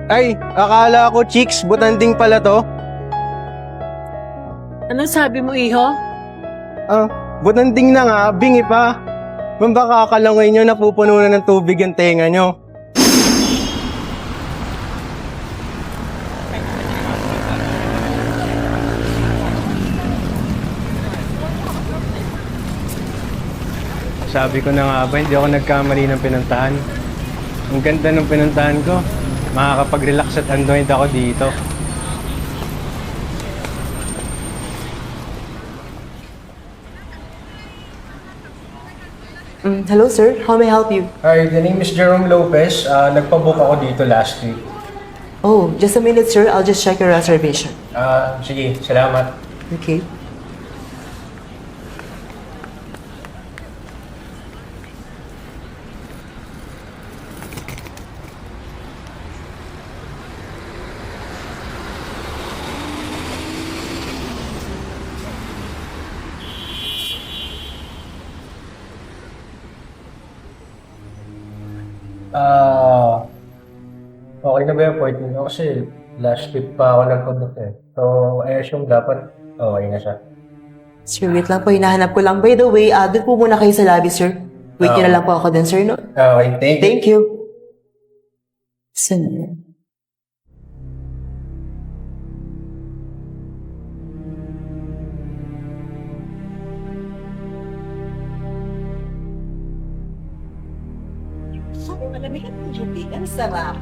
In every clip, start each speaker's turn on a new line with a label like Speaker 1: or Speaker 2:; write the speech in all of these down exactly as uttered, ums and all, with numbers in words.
Speaker 1: Ay, akala ko chicks, butanding pala to.
Speaker 2: Anong sabi mo, iho?
Speaker 1: Ah, butanding na nga, bingi pa. Ma'am, baka akalangoy nyo napupuno na ng tubig yung tenga nyo. Sabi ko na nga ba, hindi ako nagkamali ng pinuntahan. Ang ganda ng pinuntahan ko. Makakapag-relax at unwind ako dito.
Speaker 3: Mm, hello, sir. How may I help you?
Speaker 1: Hi, the name is Jerome Lopez. Uh, nagpabook ako dito last week.
Speaker 3: Oh, just a minute, sir. I'll just check your reservation.
Speaker 1: Ah, sige, salamat.
Speaker 3: Okay.
Speaker 1: Ah, okay na ba yung appointment ko? Kasi last week pa ako nagpabook eh. So, I assume dapat okay na siya.
Speaker 3: Sir, wait lang po. Hinahanap ko lang. By the way, uh, doon po muna kayo sa lobby, sir. Wait nyo na lang po ako dun, sir, no?
Speaker 1: Okay, thank you.
Speaker 3: Thank you. Saan na yan?
Speaker 4: Sabi malamig at tubig. Ang sarap.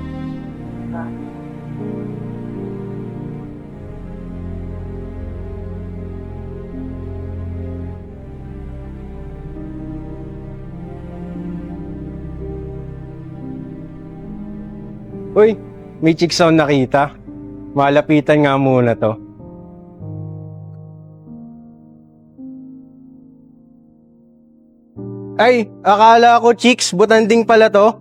Speaker 1: Uy, may chicks ako nakita. Malapitan nga muna to. Ay, akala ko chicks, butanding pala to.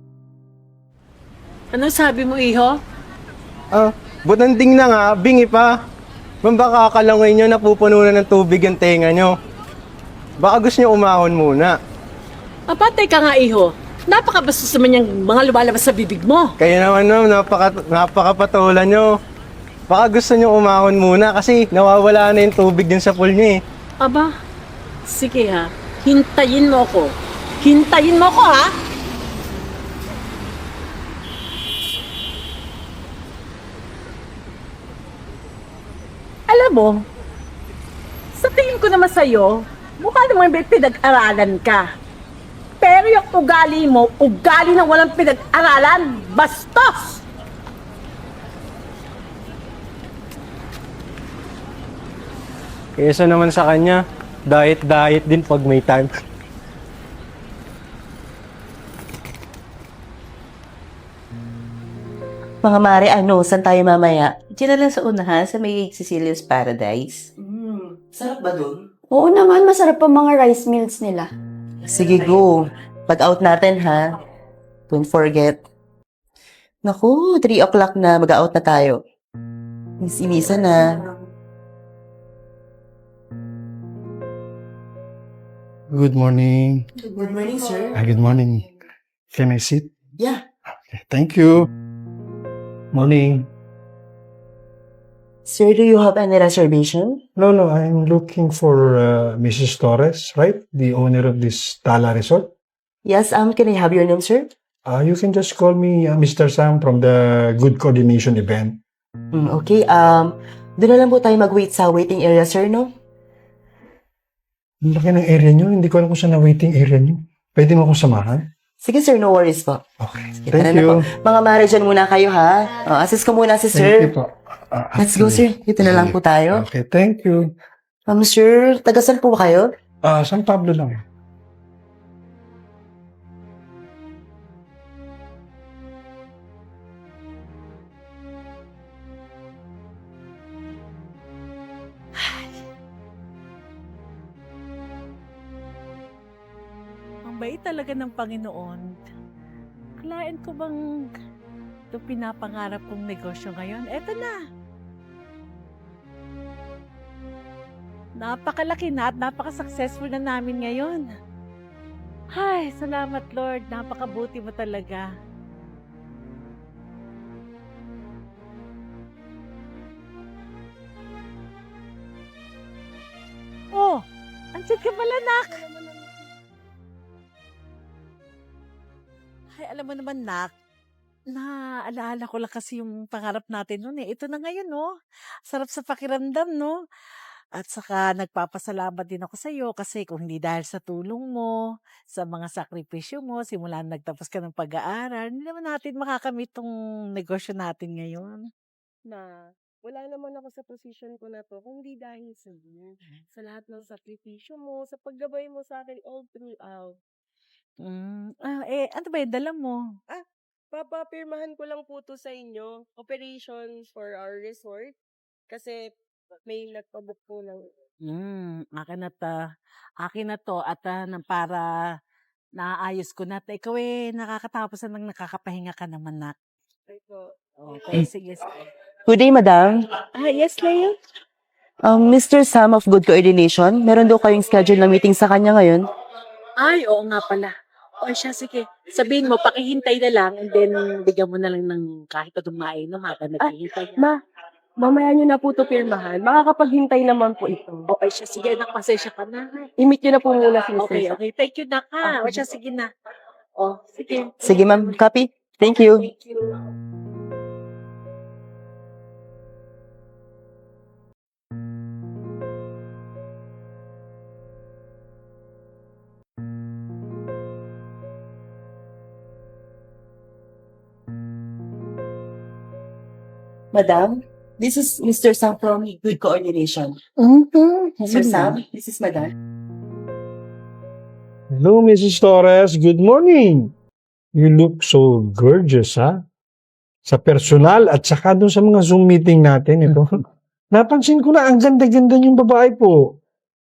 Speaker 2: Anong sabi mo, iho?
Speaker 1: Ah, butanding na nga, bingi pa. Ma'am, baka akalangoy nyo napupuno na ng tubig yung tenga nyo. Baka gusto nyo umahon muna.
Speaker 2: Apatay ka nga, iho. Napakabastos naman yung mga lumalabas sa bibig mo.
Speaker 1: Kaya naman ma'am, napaka, napakapatulan nyo. Baka gusto nyo umahon muna kasi nawawala na yung tubig din sa pool nyo eh.
Speaker 2: Aba, sige ha. Hintayin mo ko. Hintayin mo ko, ha? Alam mo, sa tingin ko naman sa'yo, mukha naman may pinag-aralan ka. Pero yung ugali mo, ugali na walang pinag-aralan, bastos!
Speaker 1: Kesa naman sa kanya, diet-diet din pag may time.
Speaker 3: Mga mare, ano? Saan tayo mamaya?
Speaker 5: Diyan na lang sa unahan sa may Cecilia's Paradise.
Speaker 3: Hmm, sarap ba dun?
Speaker 6: Oo naman, masarap pa mga rice meals nila.
Speaker 3: Sige, go. Pag out natin, ha? Don't forget. Naku, three o'clock na. Mag-out na tayo. Miss-imisa na.
Speaker 7: Good morning.
Speaker 3: Good morning, sir.
Speaker 7: Ah, good morning. Can I sit?
Speaker 3: Yeah.
Speaker 7: Okay, thank you. Morning.
Speaker 3: Sir, do you have any reservation?
Speaker 7: No, no, I'm looking for uh, Missus Torres, right? The owner of this Tala Resort.
Speaker 3: Yes, um, can I have your name, sir?
Speaker 7: Uh, you can just call me uh, Mister Sam from the Good Coordination event.
Speaker 3: Mm, okay, um, doon na lang po tayo mag-wait sa waiting area, sir, no?
Speaker 7: Ang laki ng area nyo. Hindi ko alam kung saan na waiting area nyo. Pwede mo akong samahan?
Speaker 3: Sige, sir, no worries po.
Speaker 7: Okay.
Speaker 3: Sige,
Speaker 7: Thank
Speaker 3: tara na
Speaker 7: you.
Speaker 3: po. Mga mare, dyan muna kayo, ha? Uh, assist ko muna si
Speaker 7: Thank
Speaker 3: sir.
Speaker 7: you po. Uh,
Speaker 3: Let's go, sir. Dito na lang po tayo.
Speaker 7: Okay, thank you.
Speaker 3: Um, sir, taga-saan po ba kayo?
Speaker 7: Ah, San Pablo lang.
Speaker 2: Ang bait talaga ng Panginoon. Akalain ko bang ito pinapangarap kong negosyo ngayon? Eto na. Napakalaki na at napaka-successful na namin ngayon. Ay, salamat Lord. Napakabuti mo talaga. Diyan ka pala, nak. Ay, alam mo naman, nak, naaalala ko lang kasi yung pangarap natin noon eh. Ito na ngayon, no? Sarap sa pakiramdam, no? At saka nagpapasalamat din ako sa iyo kasi kung hindi dahil sa tulong mo, sa mga sakripisyo mo, simula nung nagtapos ka ng pag-aaral, hindi naman natin makakamit tong negosyo natin ngayon.
Speaker 8: Na wala naman ako sa position ko na to kung di dahil sa iyo. Sa lahat ng sakripisyo mo, sa paggabay mo sa akin all throughout.
Speaker 2: Mm, ah, eh, ano ba yung dala mo?
Speaker 8: Papapirmahan ko lang po to sa inyo. Operations for our resort. Kasi may nagpabook po ng...
Speaker 2: Hmm, akin na ta. Akin na to at ah, na para naayos ko na. Ikaw eh, nakakatapos na nang nakakapahinga ka naman, nak.
Speaker 8: Ay po.
Speaker 2: Okay, sige. sige.
Speaker 3: Good day, madam.
Speaker 8: Ah, yes, Leo?
Speaker 3: Um, Mister Sam of Good Coordination, meron daw kayong schedule na meeting sa kanya ngayon?
Speaker 2: Ay, oo nga pala. O siya, sige. Sabihin mo, pakihintay na lang and then bigyan mo na lang ng kahit na dumain no, habang naghihintay.
Speaker 8: Ma, mamaya nyo na po to pirmahan. Makakapaghintay naman po ito.
Speaker 2: Okay siya, sige. Nakapasensya ka na.
Speaker 8: I-meet nyo na po muna si
Speaker 2: Okay,
Speaker 8: Mister
Speaker 2: okay. Thank you, nak. Ha? O siya, sige na. O, sige.
Speaker 3: Sige, ma'am. Copy. Thank you.
Speaker 2: Thank you.
Speaker 3: Madam, this is Mister Sam from Good Coordination.
Speaker 2: Mm-hmm.
Speaker 3: Sir Sam, this is Madam.
Speaker 7: Hello, Missus Torres. Good morning. You look so gorgeous, ha? Sa personal at saka doon sa mga Zoom meeting natin, ito. Napansin ko na, ang ganda-ganda yung babae po.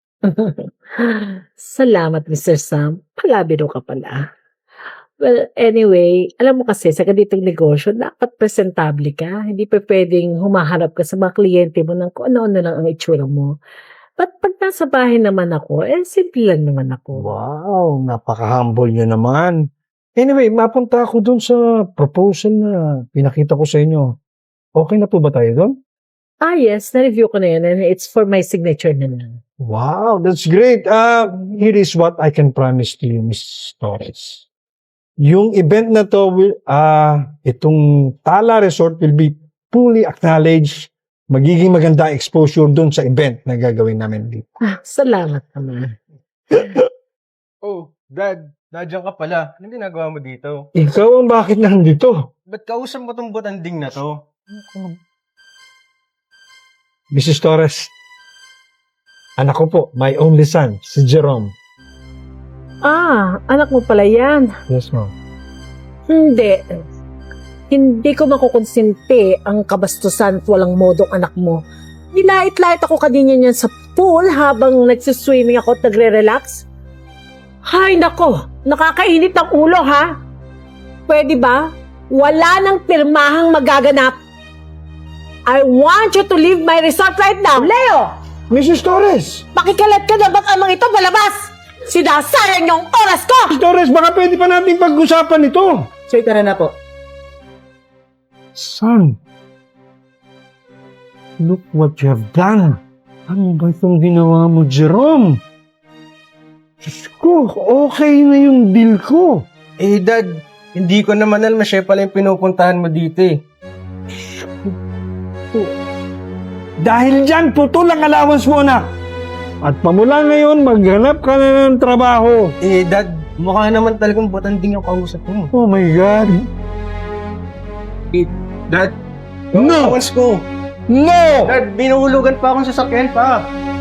Speaker 2: Salamat, Mister Sam. Palabiro ka pala. Well, anyway, alam mo kasi, sa ganitong negosyo, dapat presentable ka. Hindi pa pwedeng humaharap ka sa mga kliyente mo ng kung ano-ano lang ang itsura mo. But pag nasa bahay naman ako, eh, simple lang naman ako.
Speaker 7: Wow, napaka-humble nyo naman. Anyway, mapunta ako doon sa proposal na pinakita ko sa inyo. Okay na po ba tayo doon?
Speaker 2: Ah, yes. Na-review ko na yun and it's for my signature na lang.
Speaker 7: Wow, that's great. Uh, here is what I can promise to you, Miss Torres. Yung event na to, will, uh, itong Tala Resort will be fully acknowledged. Magiging maganda exposure doon sa event na gagawin namin dito.
Speaker 2: Ah, salamat naman.
Speaker 1: Oh, Dad, nandiyan ka pala. Anong ginagawa mo dito?
Speaker 7: Ikaw ang bakit nandito?
Speaker 1: Ba't kausap mo tong butanding na to?
Speaker 7: Missus Torres, anak ko po, my only son, si Jerome.
Speaker 2: Ah, anak mo pala yan.
Speaker 7: Yes, ma'am.
Speaker 2: Hindi. Hindi ko makukonsinti ang kabastusan at walang modong anak mo. Nilait-lait ako kanina niyan sa pool habang nagsiswimming ako at nagre-relax. Hay nako, nakakainit ang ulo ha. Pwede ba? Wala nang pirmahang magaganap. I want you to leave my resort right now. Leo!
Speaker 7: Missus Torres!
Speaker 2: Pakikalat ka na ba't amang ito palabas? Sinasayang yung oras ko!
Speaker 7: Missus Torres, baka pwede pa nating pag-usapan ito.
Speaker 3: Sir, tara na po.
Speaker 7: Son, look what you have done. Ano ba itong ginawa mo, Jerome? Diyos ko, okay na yung deal ko.
Speaker 1: Eh, Dad, hindi ko naman alam na siya pala yung pinupuntahan mo dito eh.
Speaker 7: Dahil dyan, putol ang allowance mo, anak. At pamula ngayon, maghanap ka na ng trabaho.
Speaker 1: Eh, Dad, mukha naman talagang butanding yung kausap mo.
Speaker 7: Oh my God.
Speaker 1: Dad,
Speaker 7: No!
Speaker 1: allowance ko.
Speaker 7: No!
Speaker 1: Dad, binuhulugan pa akong sasakyan pa.